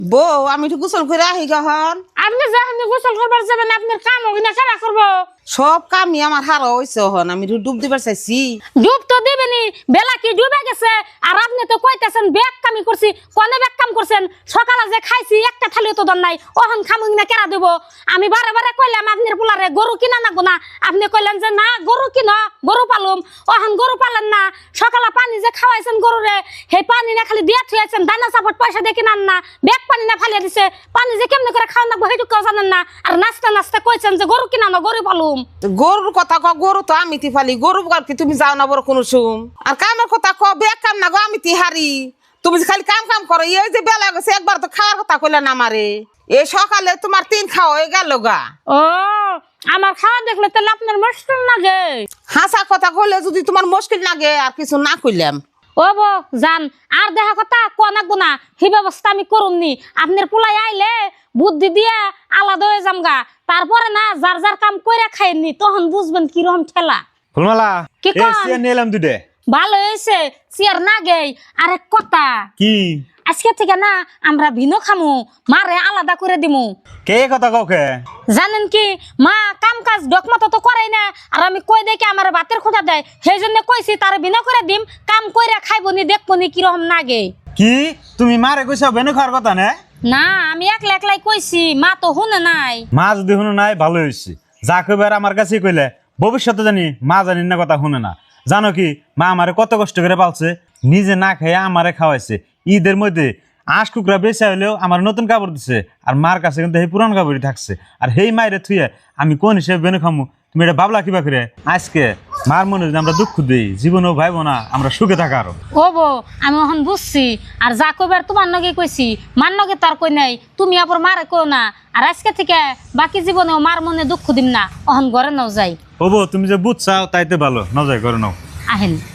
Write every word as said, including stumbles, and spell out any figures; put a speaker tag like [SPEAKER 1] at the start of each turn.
[SPEAKER 1] বউ আমি একটু গোসল করে আহি গহন।
[SPEAKER 2] আপনি যখন গোসল করবার যাবেন আপনার কাম ওখানে কারা করবো?
[SPEAKER 1] সব কামই আমার হারা হয়েছে হন, আমি একটু ডুব দিবার চাইছি।
[SPEAKER 2] ডুব তো দিবেনি, বেলা কি ডুবে গেছে আর আপনি তো কইতেছেন ব্যাগ কামি করছি। কোনে ব্যাগ কাম করছেন? সকালে যে খাইছি একটা থালিও তো দন নাই, ওহন খামুই না কেরা দেব? আমি বারে বারে কইলাম আপনার পোলারে গরু কিনা নাগো না, আপনি কইলেন যে না গরু কিনো, গরু পালুম। ওহন গরু পালেন না, সকালে পানি যে খাওয়াইছেন গরুরে সেই পানি না খালি দিয়ে থুয়েছেন, দানা সাপট পয়সা দিয়ে কিনান না, ব্যাগ পানি না ফালিয়ে দিছে, পানি যে কেমনে করে খাওয়া নাগবো সেইটুকু জানেন না। আর নাস্তা নাস্তা কইছেন যে গরু কিনা না গরু পালুম।
[SPEAKER 1] গরুর কথা ক, গরু তো আমি তি ফালি, গরু আর কি তুমি যাও না বড় কোনো সুম। আর কামের কথা ক, বেগ কাম না গো আমি তি হারি। তুমি যে খালি কাম কাম করো, এই যে বেলা গেছে একবার তো খাওয়ার কথা কইলে না আমারে। এই সকালে তোমার তিন খাওয়া হয়ে গেল গা।
[SPEAKER 2] ও আমার খাওয়া দেখলে তাহলে আপনার মুশকিল লাগে।
[SPEAKER 1] হাসা কথা কইলে যদি তোমার মুশকিল লাগে আর কিছু না কইলাম।
[SPEAKER 2] ও বো জান আর দেখা কথা কোয়া নাগবো না, সেই ব্যবস্থা আমি করুমনি। আপনার পোলাই আইলে বুদ্ধি দিয়ে আলাদা হয়ে যামগা, তারপরে না যার যার কাম কইরা খাইনি তখন বুঝবেন কিরকম ঠেলা।
[SPEAKER 3] ফুলমালা
[SPEAKER 2] কি
[SPEAKER 3] এই
[SPEAKER 2] কন?
[SPEAKER 3] চেয়ার নিলাম দুটে।
[SPEAKER 2] ভালো হয়েছে চেয়ার না গেই। আরেক কথা,
[SPEAKER 3] কি
[SPEAKER 2] আজকে থেকে না আমরা ভিনো খামু, মারে আলাদা করে দিমু।
[SPEAKER 3] কে কথা কাউকে?
[SPEAKER 2] জানেন কি মা কাম কাজ ডকমতো তো করাই না, আর আমি কই দেখি আমার বাতের খোঁজা দেয়, সেই জন্য কইছি তার বিনা করে দিম, কাম কইরা খাইবনি দেখবনি কিরকম নাগে।
[SPEAKER 3] কি তুমি মারে কইছো বেনু খাওয়ার কথা না?
[SPEAKER 2] না আমি একলা একলাই কইছি, মা তো শুনে নাই।
[SPEAKER 3] মা যদি শুনে নাই ভালো হয়েছে, যা কইবার আমার কাছে কইলে ভবিষ্যতে জানি মা জানি না কথা শুনে না। জানো কি মা আমারে কত কষ্ট করে পালছে, নিজে না খেয়ে আমারে খাওয়াইছে। ঈদের মধ্যে আঁশ কুকরা বেচা হইলেও আমার নতুন কাপড় দিছে, আর মার কাছে কিন্তু সেই পুরান কাপড়ই থাকছে। আর সেই মায়ের থুয়ে আমি কোন হিসেবে বেনু খামু? তুমি এটা ভাবলা কিবা করে? আজকে মার মনে যদি আমরা দুঃখ দিই, জীবনেও ভাইব না আমরা সুখে থাকা আরো।
[SPEAKER 2] ও বো আমি এখন বুঝছি, আর যা কইবার তোমার নগে কইছি, মার নগে তার কই নাই, তুমি আবার মারে কো না। আর আজকে থেকে বাকি জীবনেও মার মনে দুঃখ দিম না, অহন ঘরে নাও যাই।
[SPEAKER 3] ও বউ, তুমি যে বুঝছাও তাইতে ভালো, না যাই করে নাও।
[SPEAKER 2] আহেন।